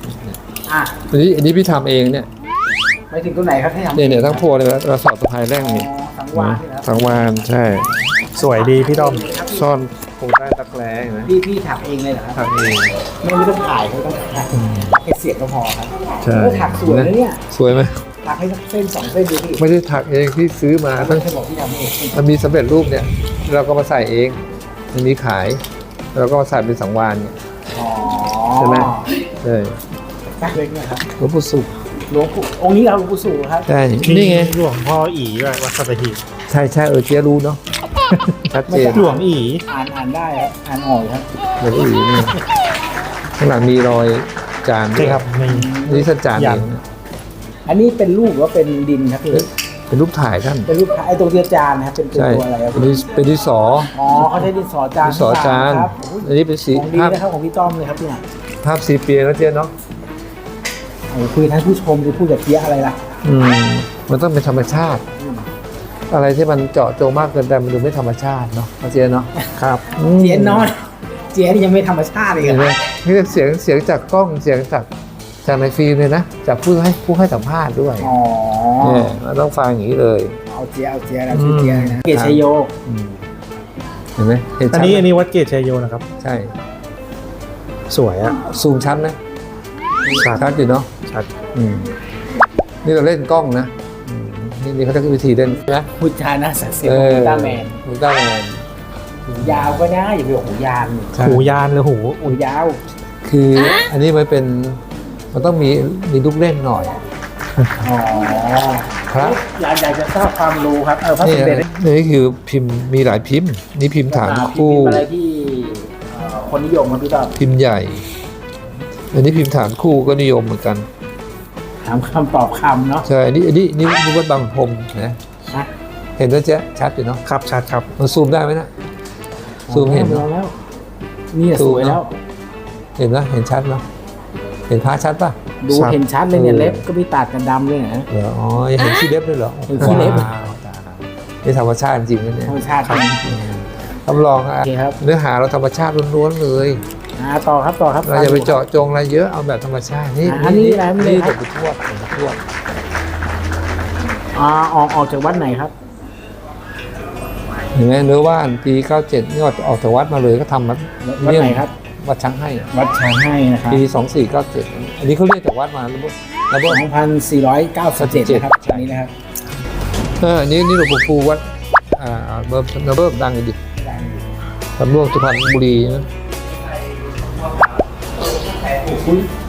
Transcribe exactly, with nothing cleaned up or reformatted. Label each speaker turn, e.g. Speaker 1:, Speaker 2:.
Speaker 1: อ่ะ
Speaker 2: อันนี้อันนี้พี่ทำเองเนี่ย
Speaker 1: ไปถึงตัวไหนครับที่ทำ
Speaker 2: เนี่ยเนี่ยทั้งพวงเลยเราสอดสะพายแร่งนี่
Speaker 1: สังวาสนี่นะ
Speaker 2: สังวานใช่
Speaker 3: สวยดีพี่ต้อม
Speaker 2: ซ่อนคงใต้ตะแกรงนะ
Speaker 1: พี่พี่ถักเองเลยเหรอครับ
Speaker 2: ทำเอง
Speaker 1: ไม่ไม่ต้องถ่ายไม่ต้องถ่ายแค่เสียงก็พอครับ
Speaker 2: ใช่
Speaker 1: เออถักสวยนะเนี่ย
Speaker 2: สวยไหม
Speaker 1: ถักให้สักเส้นสองเส้นดูพี่
Speaker 2: ไม่ได้ถักเองที่ซื้อมา
Speaker 1: ไม่
Speaker 2: ทั้ง
Speaker 1: เคยบอกที่ทำเอง
Speaker 2: มันมีสำเร็จรูปเนี่ย เราก็มาใส่เองมันมีขายเราก็มาใส่เป็นสังวานเนี่ย
Speaker 1: อ๋อ
Speaker 2: ใช่ไหม ใช่
Speaker 1: แป๊กเล็กนะครับ
Speaker 2: หลวงปู่สุข
Speaker 1: หลวงปู่องค์นี้เราหลวงปู่สู่ครับ
Speaker 2: ใช่
Speaker 3: มี
Speaker 2: นี่ไง
Speaker 3: หลวงพ่ออีด้วยวัดสัตหีบ
Speaker 2: ใช่ใช่เออเจ๊รู้เนาะชัดเจน
Speaker 3: หลวงอี
Speaker 1: อ่านอ่านได้ครับอ่านออกครับ
Speaker 2: เหมือนอีนี่ข้างหลังมีรอยจานด้
Speaker 3: ใช่
Speaker 2: วย
Speaker 3: ครับมี
Speaker 2: นี่ท่านจาน
Speaker 3: ยั
Speaker 2: เอน ง
Speaker 1: อันนี้เป็นรูปหรือว่าเป็นดินครับพี่
Speaker 2: เป็นรูปถ่ายท่าน
Speaker 1: เป็นรูปไอ้ตรงเทียจานนะครับเป็นเป็น
Speaker 2: ใช่
Speaker 1: ตัวอะไรครับ
Speaker 2: เป็นดิเป็นดินสอ
Speaker 1: อ๋อเขาใช้ดินสอจาน
Speaker 2: ดินสอจาน
Speaker 1: ครับ
Speaker 2: อันนี้เป็นสี
Speaker 1: ของดี
Speaker 2: ภาพ
Speaker 1: นะครับของพี่ต้อมเลยครับเนี่ย
Speaker 2: ภาพสีเปียแล้วเจ๊เนาะ
Speaker 1: โอ้คุยท่านผู้ชมหรือพูดกับเทียอะไรล่ะ
Speaker 2: อืมมันต้องเป็นธรรมชาติ อะไรที่มันเจาะจงมากเกินไปมันดูไม่ธรรมชาติเนาะเจ๊เนาะ
Speaker 3: ครับ
Speaker 2: อืม
Speaker 1: เจียนน้อยเจียนยังไม่ธรรมชาติเลย
Speaker 2: เห็นไหม
Speaker 1: อะ
Speaker 2: นี่เสียงเสียงจากกล้องเสียงจากจากในฟิล์มเลยนะจากผู้ให้ผู้ให้สัมภาษณ์ด้วย
Speaker 1: อ๋อ
Speaker 2: เนี่ยเราต้องฟังอย่างนี้เลย
Speaker 1: เอาเจียเอาเจียแล้วชื่อเจียเลยนะเกศชยโย
Speaker 2: อืมเห็นไหมเห็น
Speaker 3: อัน
Speaker 2: ชัด
Speaker 3: นี้
Speaker 2: ไหม
Speaker 3: อันนี้วัดเกตชัยโยนะครับ
Speaker 2: ใช่
Speaker 3: สวยอะ
Speaker 2: ซูมชัดไหม
Speaker 3: ชัด
Speaker 2: ชัดอยู่เนาะ
Speaker 3: ชัด
Speaker 2: อืมนี่เราเล่นกล้องนะอืมนี่นี่เขาจะวิธีเล่นนะ
Speaker 1: พุทธานะสักเสียงของอุลตร้าแมน
Speaker 2: อุลตร้าแมน
Speaker 1: หูยาวก็ได้อย่าไปบอกหูยาน
Speaker 2: ใช่
Speaker 3: หูยานหรือหู
Speaker 1: หูยาว
Speaker 2: คืออันนี้มันเป็นมันต้องมีมีลูกเล่นหน่อย
Speaker 1: อ๋อ
Speaker 2: ครับ
Speaker 1: อยากอยากจะทราบความรู้ครับเออพระส
Speaker 2: นี่
Speaker 1: มเด็จ
Speaker 2: นี่คือพิมพ์มีหลายพิมพ์ นี่พิมพ์ฐานคู่
Speaker 1: พิมพ์อะไรที่เอ่อคนนิยมครับพี่ต้อม
Speaker 2: พิมพ์ใหญ่ อันนี้พิมพ์ฐานคู่ก็นิยมเหมือนกัน
Speaker 1: ถามคำตอบคำเนาะ
Speaker 2: ใช่อันนี้อันนี้นี่นี่วัดบางพรมนะ
Speaker 1: นะ
Speaker 2: เห็นแล้วเจ๊ชัดอยู่เนาะ
Speaker 3: ครับชัดครับ
Speaker 2: มันซูมได้ไหมนะ ซูมเห็น
Speaker 1: แล้
Speaker 2: เนาะ
Speaker 1: วแล้วนี่สวยแล้ว
Speaker 2: เห็นนะเห็นชัดเนาะเห็นพระชัดป่ะ
Speaker 1: ดู
Speaker 3: ครับ
Speaker 1: เห็นชัดเลยเนี่ย
Speaker 2: เออ
Speaker 1: เล็บก็ไม่ตัดกันดำเลยนะ
Speaker 2: เหรออ๋อยังเห็นขี้เล็บด้วยเหรอ
Speaker 1: เห็นขี้เล็บ
Speaker 2: ว้าวนี่ธรรมชาติจริงนะเนี่ย
Speaker 1: ธรรมชาติจริง
Speaker 2: รับรองอ่ะ
Speaker 1: โอเคครับ
Speaker 2: เนื้อหาเราธรรมชาติล้วนๆเลย
Speaker 1: อ่าต่อครับต่อครับ
Speaker 2: เราอย่าไปเจาะจงอะไรเยอะเอาแบบธรรมชาตินี่
Speaker 1: อ่าอันนี้อะไรไม่เลย
Speaker 2: นี่
Speaker 1: ค
Speaker 2: หล
Speaker 1: รับ
Speaker 2: วงปู่ทวดหลวงปู่ทวด
Speaker 1: อ่าออกออกจากวัดไหนครับ
Speaker 2: เห็นไหมเนื้อว่านปีเก้าเจ็ดนี่ออกจากวัดมาเลยก็ทำวัด
Speaker 1: วัดไหนครับ
Speaker 2: วัดช้างให้
Speaker 1: วัดช้างให้นะครับ
Speaker 2: ปีสองสี่เก้าเจ็ดอันนี้เขาเรียกจากวัดมาแล้วบ่แล้วบ่
Speaker 1: สองพันสี่ร้อยเก้าสิบเจ็ดนะครับ
Speaker 2: ใช่
Speaker 1: อันนี้นะครับ
Speaker 2: เอออันนี้นี่หลวงปู่ฟูวัดอ่าเบิร์ดเบิร์ดดังอยู่ดิสำรวจสุพรรณบุรีนะ
Speaker 1: คุณ